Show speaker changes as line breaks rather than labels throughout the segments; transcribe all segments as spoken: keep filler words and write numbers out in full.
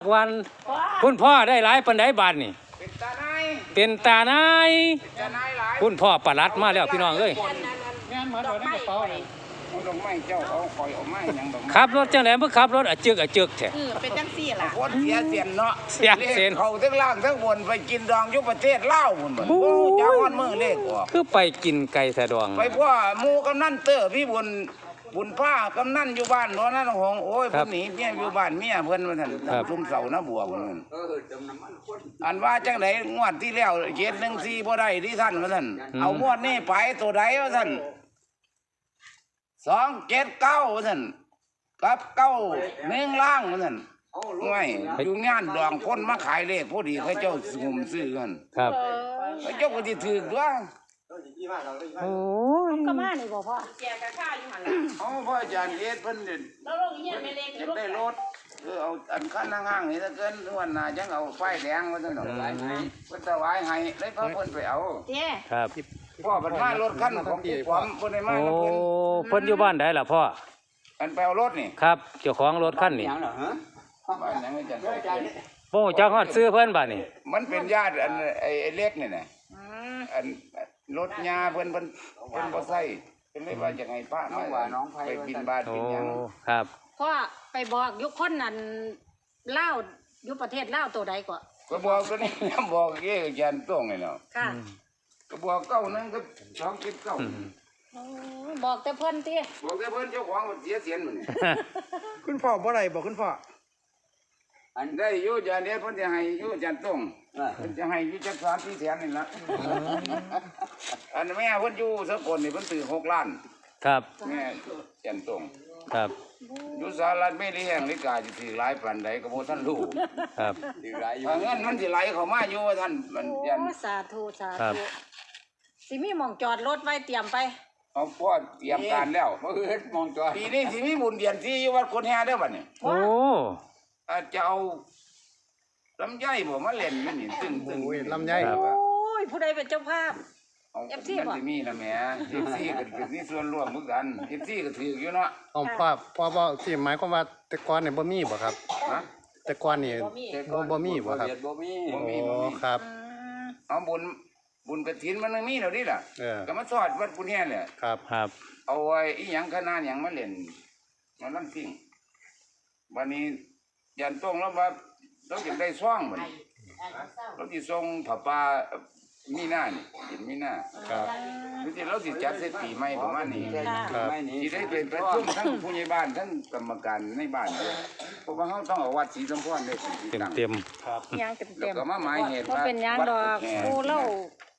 วันคุณพ่อได้หลายปันไดบาทนี่
เป็นตาไน
เป็นตาไนคุณพ่อประหลัดมาแล้วพี่น้องเอ้ย
งานมาโดยในกระเป๋าเลยเอาดอกไม้เจ้าเอาคอยเอาไม้ยังดอกไม้
ขับรถจังไหนเมื่อขับรถอะจึกอะจึกแท้
เออเป็นจังซี่ล่ะ
โคตรเสียเสียนเนาะ
เสียเสียน
เขาทั้งล่างทั้งบนไปกินดองยุบประเทศลาวหมดหมดโอ้จ้าวันมือเลขออก
คือไปกินไก่สะดวง
ไปพ่อหมูกำนันเตอร์พี่บุญบุญผ้ากำนันอยู่บ้านเนาะนั่นหงโอ้ยคนหนีเนี่ยอยู่บ้านเมียเพิ่นมาท่านทุ่มเสาหน้าบัวเพิ่นอันว่าจังไหนงวดที่แล้วเจ็ดหนึ่งสี่พอได้ที่ท่านมาท่านเอางวดนี้ไปตัวใดวะท่านสองเจ็ดเก้าท่านกับเก้าหนึ่งล่างท่านง่ายอยู่งานดองคนมาขายเลขพอดีเขาเจ้าสุ่มซื้อกัน
ครับ
เขาเจ้าก็จะถือด้วย
โอ้
ยก็มานี่บ่พ่อแกกะค่าอยู่หั่นล่ะ
อ๋อพ่ออาจารย์เฮ็ดเพิ่นเด่น
แล้วลงเฮียนแม่เล็ก
จะได้รถคือเอาอันคันห้างๆนี่ถ้าเกินวันหน้าจังเอาไฟแดงมาซั่นดอกหลายให้เพิ่นถวายให้เลยพาเพิ่นไปเอา
เด้
ครับ
พ่อเพิ่นมารถคันของพี่ผมเพิ่นได้มาแล้วเพิ่น
โอ้เพิ่นอยู่บ้านใดล่ะพ่อ
อันไปเอารถนี่
ครับเจ้าของรถคันนี่
หยังเหรอฮะบ้านหยังอาจารย์
โอ้จักฮอดซื้อเพิ่นบัดนี้
มันเป็นญาติอันไอ้เล็กนี่น่ะอันรถยาเพิ่นเพิ่นเพิ่นบ่ใส่เพิ่นเลยว่าจังไงป้ามาว่าน้องไปบินบาตบินหยัง
ครับ
พ่อไปบอกยุคคนนั้นลาวอยู่ประเทศลาวตัวใดก่อน
ก็บอกตัวนี้บอกเอ้อาจารย์ต้องนี่เนาะ
ค่ะ
ก็บอกเก้านึงก็สองคิดเก้า
บอกแต่เพิ่นติ
บอกแต่เพิ่นเจ้าของเสียเสียนมื้อนี้
คุณพ่อบ่ได้บอกคุณพ่อ
อันได้อยู่อาจารย์เฮ็ดเพิ่นจะให้อยู่อาจารย์ต้องเพิ่นจะให้อยู่จักสามสี่แสนนี่ล่ะอันแม่เพิ่นอยู่สกลนี่เพิ่นซื้อหกล้าน
ครับ
แม่อาจารย์ต้อง
ครับ
อยู่สหรัฐอเมริกาลิกาสิถือหลายปานใดก็บ่ทันรู้
ครับ
ถือหลายอยู่เงินมันสิไหลเข้ามาอยู่ท่านมันยัน
โอ้สาธุสาธุสิมีหม่องจอดรถไว้เตรียมไป
เอาพ่อเตรียมการแล้วบ่เฮ็ดมองจอปีนี้สิมีบุญเดือนสี่อยู่วัดคนแห่เด้อบัดนี้
โอ้
อาจจะเอาลำไยบ่มาเล่นมันนี่ตึ้งตึ้ง
ลำไย
โอ้ยผู้ใดเป็นเจ้าภาพ
เอฟซีบ่มีนะแม่เอฟซีก็เป็นนี่ส่วนร่วมเหมือนกันเอฟซีก็ถืออยู่เนาะ
อ๋อพ่อพ่อบ่สิหมายความว่าแต่ก่อนนี่บ่มีบ่ครับฮะแต่ก่อนนี่บ่บ่มีบ่ครับ
บ่มี
บ่มีอ๋อครับ
เอาบุญบุญกฐินมันมีแล้วดิล่ะก็มาทอดวัดกุญแฮแหละ
ครับครับ
เอาไว้อีหยังคณะหยังมาเล่นมาลำซิ่งวันนี้ยันต้องแล้วว่าเราจะได้ซ่องบัดนี้เราสิส่งผ้าป่ามีหน้านี่เห็นมีหน้า
ครับ
คือที่เราสิจัดเสร็จปีใหม่ประมาณนี้
ครับ
สิได้เป็นประชุมทั้งผู้ใหญ่บ้านทั้งกรรมการในบ้านเพราะว่าเฮาต้องเอาวัดศรีสมพรได้สิ
เต็มเต็ม
ครับ
ยังเต็มเต็ม
ก็มาหมายเหตุ
ว่าเป็นยังดอกผู้เล่า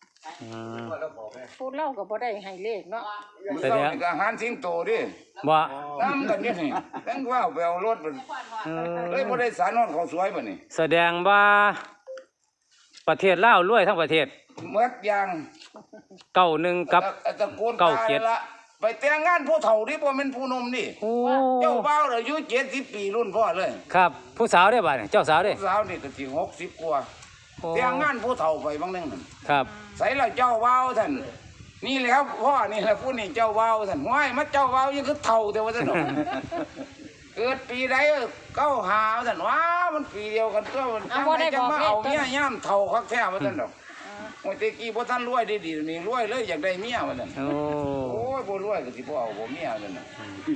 ผู้เล่าก็บ่ได้ให้เลขเนาะ
แต่เนี้ยก็อาหารสิงโตดิ
บ่
น้ำกันนี่นี่ตั้งว่าไปเอารถมันเลยบ่ได้สารนอนเขาสวยบ่นี่
แสดงว่าประเทศลาวรวยทั้งประเทศ
เมื่ออย่าง
เก้าหนึ่งกับเก้าเจ็ด
ไปแต่งงานผู้เฒ่าดิบ่แม่นผู้หนุ่มนี่เจ้าบ่าวอายุเจ็ดสิบปีรุ่นพ่อเลย
ครับผู้สาวได้บ่เนี่ยเจ้าสาวได้
ผู้สาวนี่ก็สิหกสิบกว่าแต่งงานผู้เฒ่าไปบางนึง
ครับ
ใส่แล้วเจ้าบ่าวท่านนี่แหละครับพ่อนี่แหละผู้นี่เจ้าบ่าวท่านห้วยมาเจ้าบ่าวยังคือเฒ่าแต่ว่าซั่นเกิดปีใดเก้าหาท่านว้ามันปีเดียวกันตัวมันจังมาเอาเมียย่ำเฒ่าคักแท้ว่าซั่นดอกโอ้ยตะกี้บ่ทันรวยดีๆนี่รวยเลยอยากได้เมียว่าซั่นโอ้โอ้ยบ่รวยก็สิบ่เอาบ่เมียซั่นน่ะ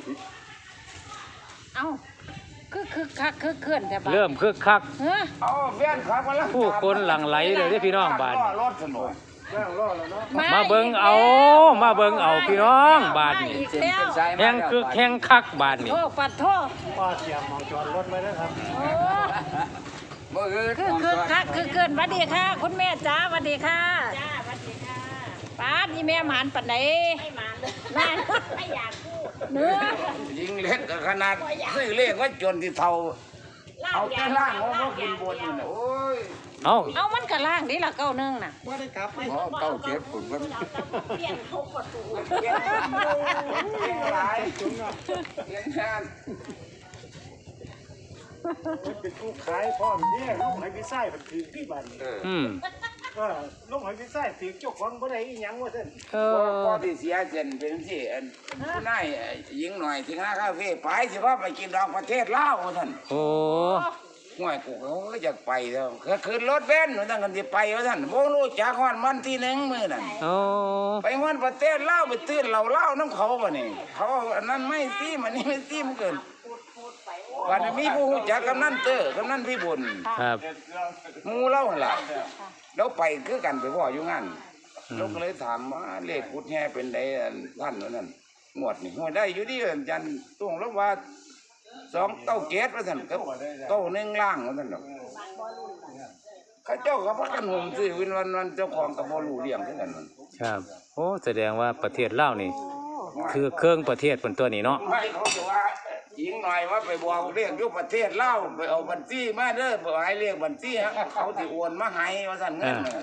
เอ้าคือคือคักคือเคลื่อนแต่บ้าน
เริ่มคึกคัก
เอาแฟนคลับมาแล้ว
ผู้คนหลั่งไหลเลยที่พี่น้องบ้าน
รถสนุก
มาเบิ่งเอามาเบิ่งเอาพี่น้องบ้านนี่แข่งคือแข่งคักบ้านนี่
โทษปัดโทษ
ป้าเสียมมองจอดรถไว้ด้วยครับ
โอ้คือคือคักคือเกินสวัสดีค่ะคุณแม่จ้าสวัสดีค่ะจ้าสวัสดีค่ะป้านี่แม่หมานปัดไหนไม่หมานเลยไม่อยากพูดเนื้อ
ยิงเล็กขนาดซื้อเลขว่าจนที่เท่าเอาแค่ล่างเขาก็กินบนนี่นะโอ้ย
เอา
เอามันกระล่างนี่ละเก้าหนึ่งน่ะ
ไม่ได้กลับ
อ๋อเก้าเจ็ดผมก็เปลี่ยนทุกประตูเปลี่ยนเปลี่ยนหลายจุดเนาะเปลี่ยนงาน
เป็นผู้ขายพ่อเนี่ยลูกหอยพิซซ่าเป็นถือที่บ้าน
อืม
ว่าลูกหอยพิซซ่าถือเจ้าของบ่ได้อีหยังว่าซั่น
พ่อที่เสียเจนเป็นที่อันผู้นายยิงหน่อยที่ห้าคาเฟ่ไปสิว่าไปกินดอกประเทศลาวว่าซั่น
โอ้
ห่วยกูก็อยากไปแล้วก็ขึ้นรถเบนซ์ว่าท่านกันสิไปว่าท่านบ่รู้จักฮอดมันที่หนึ่งมื้อนั่น
โอ้
ไปฮอดประเทศลาวไปตื้นเหล้าเหล้าน้ำเขาบ่นี่เขาอันนั้นไม่ซีมันนี่ไม่ซีมันเกินวันนี้มีผู้รู้จักกำนันเตอร์กำนันพี่บุญ
ครับ
หมู่เราหั่นล่ะแล้วไปคือกันไปพ่ออยู่งั้นเราก็เลยถามว่าเลขกุดแห่เป็นใดอันท่านว่านั่นงวดนี่ห้วยได้อยู่ดีอาจารย์ตุ้งแล้วว่าสองเต้าเกตว่าท่านก็เต้าหนึ่งล่างว่าท่านดอกเข้าเจ้าก็พักกันห่มซื้อวินวันวันเจ้าของกับบ่รู้เรื่องคือกันนั่น
ครับโอ้แสดงว่าประเทศลาวนี่ คือเครื่องประเทศเป็นตัวนี้เนาะ
ไม่เขาจะว่าหญิงหน่อยว่าไปบอกเรียกยุคประเทศเล่าไปเอาบัญชีมาเด้อบอกให้เรียกบัญชีฮะเขาสิโอนมาให้ว่าสั่นเงินน่ะ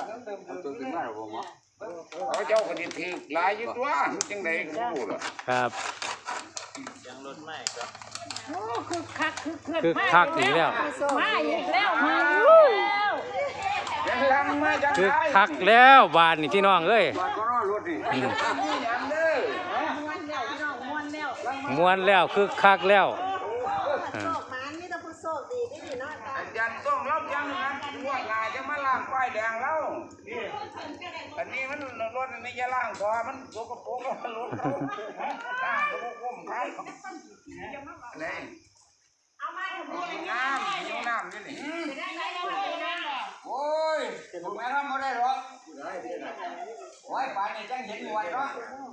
เขาเจ้าก็ดิถือหลายอยู่ตัวจังไดก็รู้ล่ะ
ครับ
โอ้คือคักคือเกิน
คือคักอีกแล้ว
มาอีกแล้วมาอีกแล้ว
ยังลังมาจัง
คือ
ได
คักแล้วบานนี่พี่น้องเอ้ย
ก็รอรถดินี่หยังเด้อ
ม้วนแล้วพี่น้องม้วนแล้ว
ม้วนแล้วคือคักแล้วอ่า
อาจารย์ต้องรับยังนะง่วงงายจะมาล้างป้ายแดงแล้วอันนี้มันรถอันนี้จะล้างคอมันสกปรกแล้วมันรถเขาล้างก็บ่คุ้มใครนี่เอามาน้ำนิ้วน้ำนี่นี่โอ้ยถูกไหมครับไม่ได้หรอกโอ้ยป่านนี้จังเห็นหน่วยเนาะ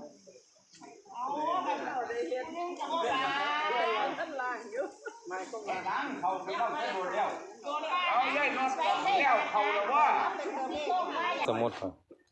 เขาไปต้องใช้รถแล้วเอาใหญ่นอนแล้วเขาแล้วว่า
สมมุติครับ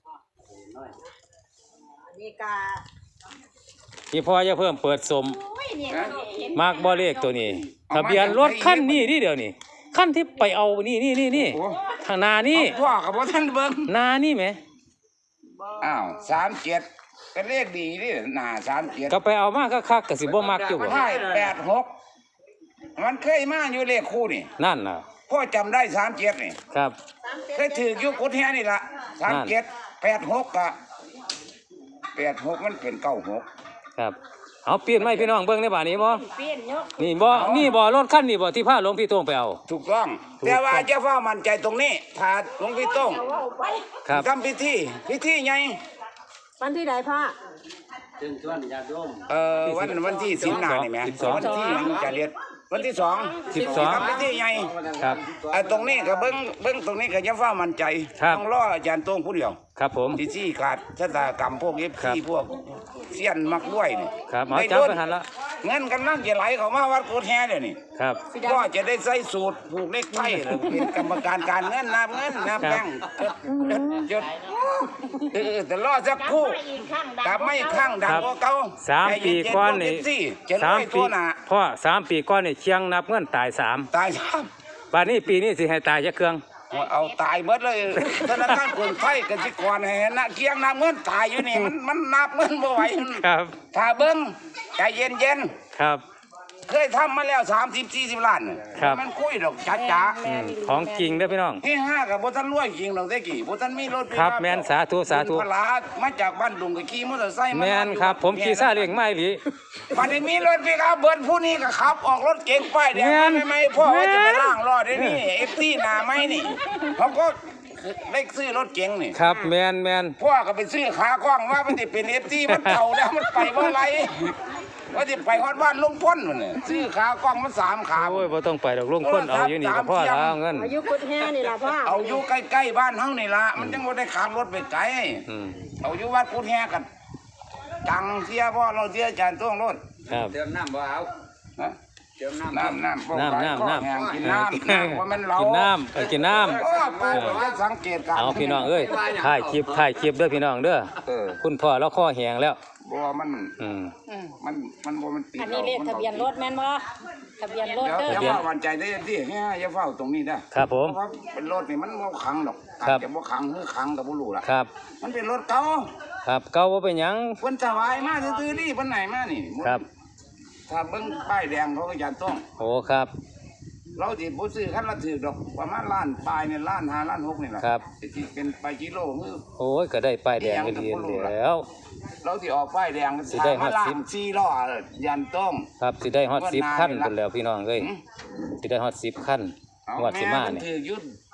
นี่กา
พี่พ่อจะเพิ่มเปิดสมมากบ่เลขตัวนี้ทะเบียนรถคันนี้นี่เดี๋ยวนี้คันที่ไปเอานี่นี่นี่นี่ทางนานี่
พ่อกับพ่อท่านเบิ้ง
นานี่ไหม
อ้าวสามเจ็ดเป็นเลขดีนี่หน้าสามเจ็ด
ก็ไปเอามาคักๆก็สิบ่มักอยู่บ่
ใช่แปดหกมันเคยมาอยู่เลขคู่นี่
นั่นน่ะ
พ่อจำได้สามเจ็ดนี่
ครับ
เคยถือยุกุดแฮนี่ละสามเจ็ดแปดหกกะแปดหกมันเป็นเก้าหก
ครับเอาเปลี่ยนไหมพี่น้องเบิ่งในบ้านนี้บ่
เปลี่ยนยก
นี่บ่นี่บ่รถคันนี้บ่ที่พาหลวงพี่โต้งไปเอา
ถูกต้อง แต่ว่าเจ้าฟ้ามั่นใจตรงนี้ถ้าหลวงพี่โต้ง
เอาไป
ครับ
ทำพิธีพิธีไง
วันที่ใดพ่อ
เอ่อวันวันที่สิบหน้านี่ไหม
สิบสอง
วันที่มันจะเรียนวันที่สอง
สิบสอง
ทำพิธีไง
ครับ
ไอ้ตรงนี้ก็เบิ้งเบิ้งตรงนี้ก็ยังฟ้ามั่นใจ
ครับ
ต้องรออาจารย์โต้งผู้เดียว
ครับผม
ที่ซี่ขาดชะตากรรมพวกเอฟ
ครั
ซี
บ
พวกเสี้ยนมักด้วยนี่
ครับเอา
ได้
จับ
โดน
ไปหันละ
เงินกำลังจะไหลเข้ามาวัดโคตรแฮ่เดี๋ยวนี้
ครับ
ก็จะได้ใส่สูตรผูกเลขไทยเลยเป็นกรรมการการเงินนับเงินนับแบงค์จดจดเออแต่รอสักครู่กลับไม่ข้างดังกว่าเก่า
สามปีก่อนนี่
จะ
สา
ร้
ม
อย
ปี
ตัวหนา
พ่อสามปีก่อนนี่เชียงนับเงินตายสาม
ตายซ้
บัดนี้ปีนี้สิให้ตายจักเครื่อง
ำเอาตายหมดเลยธนาคารกรุงไทยกสิกรให้นะเคียงนับเงินตายอยู่นี่มันมันนับเงินบ่ไหว
ครับ
ถ้าเบิ้งใจเย็นเย็น
ครับ
ๆเคยทำมาแล้วสามสิบสี่สิบล้านน่ะ
ครับ
มันคุยดอกจ้าจ้า
อืมของจริงเด้อพี่น้อง
ที่ห้ากับโบทันรวยจริงดอกได้กี่โบทันมีรถ
ครับแม่นสาธุสาธุ
พลามาจากบ้านดุงกับขี่มอเตอร์ไซค์า
แม่นครับ ผมขี่ซาเลี้ยงไม้หลี
วันนี้มีรถพี่ครับเบิร์ดผู้นี้ก็ขับ ออกรถเก๋งป้ายแดง
แม่น
ไม่ไม่พ่อว่าจะไป
แม่น
ล่างรอดได้นี่เอฟซีหนาไม่นี่เขาก็เล็กซื้อรถเก๋งนี่
ครับแม่นแม่น
พ่อก็ไปซื้อขากล้องว่ามันจะเป็นเอฟซีมันเก่าแล้วมันไปเมื่อไรว่าจะไปฮอดบ้านลุงพ้นมันเนี่ยซื้อขากล้องมันสามขา
โอ้ยบ่ต้องไปดอกลุงคนเอาอยู่นี่ก็พอแล้วเงิน
อายุกุดแห่นี่ล่ะพ่อ
เอาอยู่ใกล้ๆบ้านเฮานี่ละมันจังบ่ได้ขับรถไปไกล
อืม
เอาอยู่วัดกุดแฮกันจังเสียพ่อเราเสียอาจารย์ต้องรถ
ครับ
เติมน้ำบ่เอา
นะ
เติมน้ำ
น้ำน้ำ
น้ำน้ำน้ำ
แห้งกินน้ำน้ำว่ามันเรา
กินน้ำเออกินน้ำ
โอ้ปู่ก็สังเกตการ
เอาพี่น้องเอ้ยถ่ายคลิปถ่ายคลิปเด้อพี่น้องเด้อ
เออ
คุณพ่อเราข้อแหงแล้ว
บ่มัน
อืม
มันมันบ่มันติด
อันนี้เลขทะเบียนรถแม่นบ่ทะเบียนรถ
เดี๋ยว
เด้อ
เดี๋ยวว่าวันใจได้ที่เนี่ยอย่าเฝ้าตรงนี้ได้
ครับผม
เพราะว่าเป็นรถนี่มันบ่ขังดอก
ครับ
อาจจะบ่ขังหรือขังก็บ่รู้ล่ะ
ครับ
มันเป็นรถเก่า
ครับเก่าบ่เป็นหยัง
เพิ่นถวายมาซื่อๆนี่เพิ่นไหนมานี่
ครับ
ถ้าเบิ่งป้ายแดงเขาก็จะต้อง
โอ้ครับ
เราสิบ่ซื้อคันละถือดอกประมาณล้านปลายเนี่ยล้านห้าล้านหกนี่แหละ
ครับ
สิเป็นไปกิโลคือ
โอ้ยก็ได้ป้ายแดงก็ดีแล้ว
เราสิออกป้ายแดง
สิได้ฮอด
ล้า
สิบ
นสี่ล้อยันต้ม
ครับสิได้ฮอดสิบขั้นพุ่นแล้วพี่น้องเอ้ย
หืม
สิได้ฮอดสิบขั้น
เอา
งวดสิ
แม่
มา
มัน
นี่
ถือยุด